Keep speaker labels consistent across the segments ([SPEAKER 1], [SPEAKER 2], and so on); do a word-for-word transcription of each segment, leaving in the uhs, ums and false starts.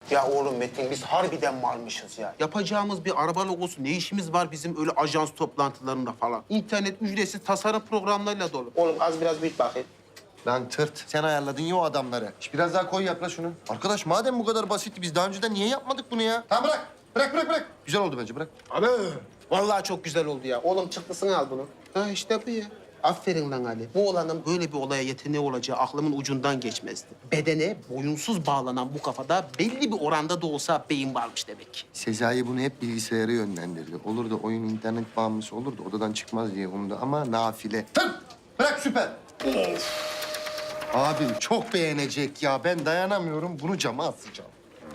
[SPEAKER 1] Ya oğlum Metin biz harbiden varmışız ya. Yapacağımız bir araba logosu ne işimiz var bizim öyle ajans toplantılarında falan. İnternet ücretsiz tasarım programlarıyla dolu. Oğlum az biraz büyüt bakayım.
[SPEAKER 2] Lan tırt. Sen ayarladın ya o adamları. Şş, biraz daha koy yakla şunu. Arkadaş madem bu kadar basitti biz daha önceden niye yapmadık bunu ya? Tamam bırak. Bırak bırak bırak. Güzel oldu bence bırak.
[SPEAKER 1] Abi vallahi çok güzel oldu ya. Oğlum çıktısını al bunu. Ha işte bu ya. Aferin lan Ali. Bu olanın böyle bir olaya yeteneği olacağı aklımın ucundan geçmezdi. Bedene boyunsuz bağlanan bu kafada belli bir oranda da olsa beyin varmış demek.
[SPEAKER 2] Sezai bunu hep bilgisayara yönlendirdi. Olur da oyun internet bağımlısı olur da odadan çıkmaz diye umdu ama nafile. Tırt! Bırak süper. Of. Abim çok beğenecek ya. Ben dayanamıyorum. Bunu cama asacağım.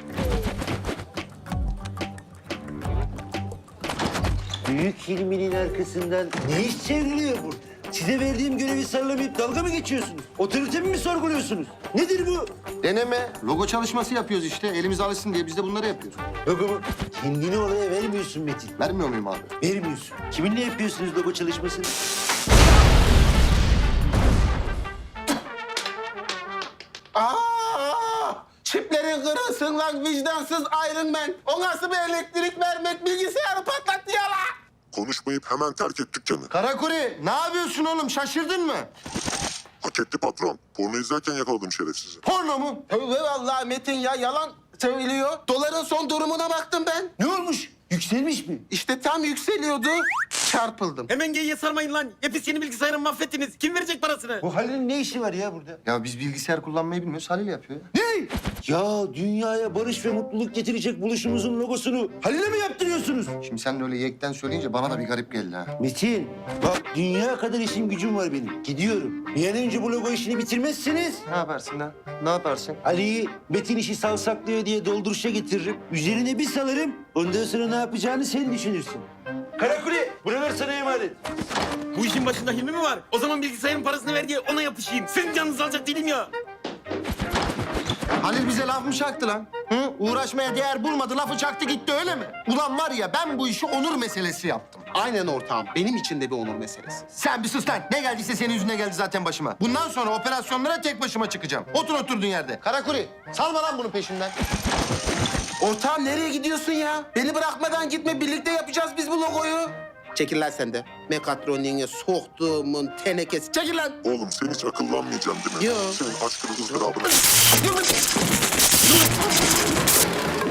[SPEAKER 3] Büyük Hilmi'nin arkasından ne iş çevriliyor burada? Size verdiğim görevi sarılamayıp dalga mı geçiyorsunuz? Otoritemi mi sorguluyorsunuz? Nedir bu?
[SPEAKER 2] Deneme. Logo çalışması yapıyoruz işte. Elimiz alışsın diye biz de bunları yapıyoruz.
[SPEAKER 3] Logo mu? Kendini oraya vermiyorsun Metin.
[SPEAKER 2] Vermiyor muyum abi?
[SPEAKER 3] Vermiyorsun. Kiminle yapıyorsunuz logo çalışmasını?
[SPEAKER 1] Aa! Çiplerin kırılsın lan vicdansız Iron Man. O nasıl bir elektrik vermek bilgisayarı patlattı ya la.
[SPEAKER 4] Konuşmayıp hemen terk et dükkanı.
[SPEAKER 2] Karakuri ne yapıyorsun oğlum? Şaşırdın mı?
[SPEAKER 4] Hak etti patron. Porno izlerken yakaladım şerefsizi.
[SPEAKER 2] Porno mu?
[SPEAKER 1] Tövbe vallahi Metin ya yalan söylüyor. Doların son durumuna baktım ben.
[SPEAKER 3] Ne olmuş? Yükselmiş mi?
[SPEAKER 1] İşte tam yükseliyordu. Çarpıldım.
[SPEAKER 5] Hemen geyiğe sarmayın lan. Hepiniz yeni bilgisayarımı mahvettiniz. Kim verecek parasını?
[SPEAKER 3] Bu Halil'in ne işi var ya burada?
[SPEAKER 2] Ya biz bilgisayar kullanmayı bilmiyoruz. Halil yapıyor. ya.
[SPEAKER 3] Ne? Ya dünyaya barış ve mutluluk getirecek buluşumuzun logosunu Halil'e mi yaptırıyorsunuz?
[SPEAKER 2] Şimdi sen de öyle yekten söyleyince bana da bir garip geldi ha.
[SPEAKER 3] Metin, bak dünya kadar işim gücüm var benim. Gidiyorum. Bir an önce bu logo işini bitirmezseniz
[SPEAKER 2] Ne yaparsın ha? Ne yaparsın?
[SPEAKER 3] Ali'yi Metin işi savsaklıyor diye dolduruşa getiririm. Üzerine bir salarım. Ondan sonra ne yapacağını sen düşünürsün. Karakule, buralar sana emanet.
[SPEAKER 5] Bu işin başında Hilmi mi var? O zaman bilgisayarın parasını ver diye ona yapışayım. Sizin canınızı alacak değilim ya.
[SPEAKER 2] Halil bize laf mı çaktı lan? Hı? Uğraşmaya değer bulmadı, lafı çaktı gitti öyle mi? Ulan var ya ben bu işi onur meselesi yaptım.
[SPEAKER 1] Aynen ortağım. Benim için de bir onur meselesi.
[SPEAKER 2] Sen bir sus lan. Ne geldiyse senin yüzüne geldi zaten başıma. Bundan sonra operasyonlara tek başıma çıkacağım. Otur oturduğun yerde. Karakuri, salma lan bunun peşinden.
[SPEAKER 1] Ortağım nereye gidiyorsun ya? Beni bırakmadan gitme. Birlikte yapacağız biz bu logoyu. Çekil lan sen de. Mekatroniğe soktuğumun tenekesi. Çekil lan.
[SPEAKER 4] Oğlum sen hiç akıllanmayacaksın değil mi?
[SPEAKER 1] Yo.
[SPEAKER 4] Senin aşkını ızdırabına...